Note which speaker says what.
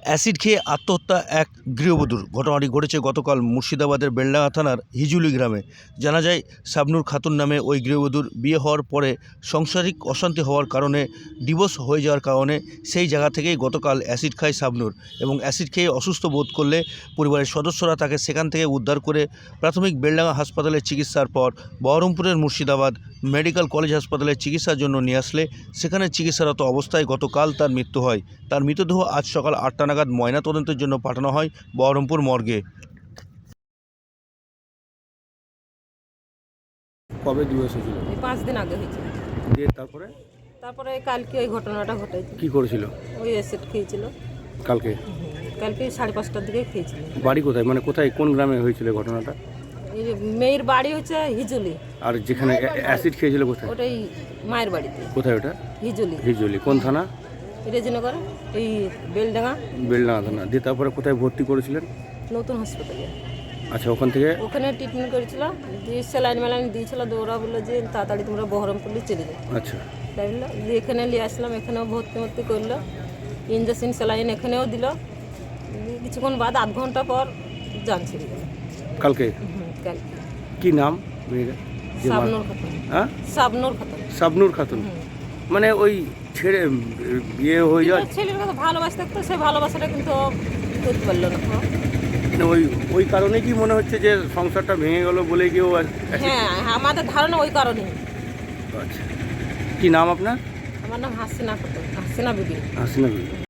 Speaker 1: Acid খেয়ে আত্মহত্যা এক গৃহবধূর। ঘটনাটি ঘটেছে গতকাল মুর্শিদাবাদের বেলডাঙ্গা থানার হিজুলি গ্রামে। জানা যায়, শাবনূর খাতুন নামে ওই গৃহবধূর বিয়ে হওয়ার পরে সাংসারিক অশান্তি হওয়ার কারণে, ডিভোর্স হয়ে যাওয়ার কারণে সেই জায়গা থেকেই গতকাল অ্যাসিড খায় শাবনূর। এবং অ্যাসিড খেয়ে অসুস্থ বোধ করলে পরিবারের সদস্যরা তাকে সেখান থেকে উদ্ধার করে প্রাথমিক বেলডাঙ্গা হাসপাতালে চিকিৎসার পর বহরমপুরের মুর্শিদাবাদ মেডিকেল কলেজ হাসপাতালে চিকিৎসার জন্য নিয়ে আসলে সেখানে চিকিৎসারত অবস্থায় গতকাল তার মৃত্যু হয়। তার মৃতদেহ আজ সকাল 8টা নাগাদ ময়নাতদন্তের জন্য পাঠানো হয় বহরমপুর মর্গে।
Speaker 2: কবে দিবস হয়েছিল?
Speaker 3: এই 5 দিন আগে হয়েছে।
Speaker 2: দিয়ে তারপরে
Speaker 3: কালকে ওই ঘটনাটা ঘটেছে।
Speaker 2: কি করেছিল?
Speaker 3: ওই অ্যাসিড খেয়েছিল
Speaker 2: কালকে
Speaker 3: কালকে 5:30টার দিকে খেয়েছিল।
Speaker 2: বাড়ি কোথায়, মানে কোথায়, কোন গ্রামে হয়েছিল ঘটনাটা?
Speaker 3: এই যে মেয়ের বাড়ি হচ্ছে হিজুলি,
Speaker 2: আর যেখানে অ্যাসিড খেয়েছিল কোথায়?
Speaker 3: ওটাই মায়ের বাড়িতে।
Speaker 2: কোথায় ওটা?
Speaker 3: হিজুলি,
Speaker 2: হিজলি কোন থানা?
Speaker 3: রেজিনগর, এই বেলডাঙ্গা
Speaker 2: বেলডাঙ্গা থানা। দিয়ে তারপরে কোথায় ভর্তি করেছিলেন?
Speaker 3: নতুন হাসপাতালে।
Speaker 2: আচ্ছা, ওখান থেকে
Speaker 3: ওখানে ট্রিটমেন্ট করেছিল, দিয়ে স্যালাইন মেলাইন দিয়েছিল। ওরা বললো যে তাড়াতাড়ি তোমরা বহরমপুরে চলে যাও।
Speaker 2: আচ্ছা,
Speaker 3: তাই বললো, দিয়ে এখানে নিয়ে আসলাম। এখানেও ভর্তি করলো, ইঞ্জেকশন স্যালাইন এখানেও দিল। দিয়ে কিছুক্ষণ বাদ, আধ ঘন্টা পর জান ছেড়ে গেল।
Speaker 2: কালকে?
Speaker 3: কালকে।
Speaker 2: কি নাম মেয়েরা?
Speaker 3: শাবনূর খাতুন।
Speaker 2: হ্যাঁ,
Speaker 3: শাবনূর খাতুন।
Speaker 2: শাবনূর খাতুন। মানে ওই ছেড়ে বিয়ে হয়ে যাওয়া
Speaker 3: ছেলের কথা ভালোবাসতে থাকতো, সেই ভালোবাসাটা কিন্তু করতে পারলো না।
Speaker 2: মানে ওই কারণে কি মনে হচ্ছে যে সংসারটা ভেঙে গেল বলে কেউ?
Speaker 3: হ্যাঁ, আমাদের ধারণা ওই কারণে।
Speaker 2: আচ্ছা, কি নাম আপনার?
Speaker 3: আমার নাম হাসিনা খাতুন, হাসিনা বিবি।
Speaker 2: হাসিনা বিবি।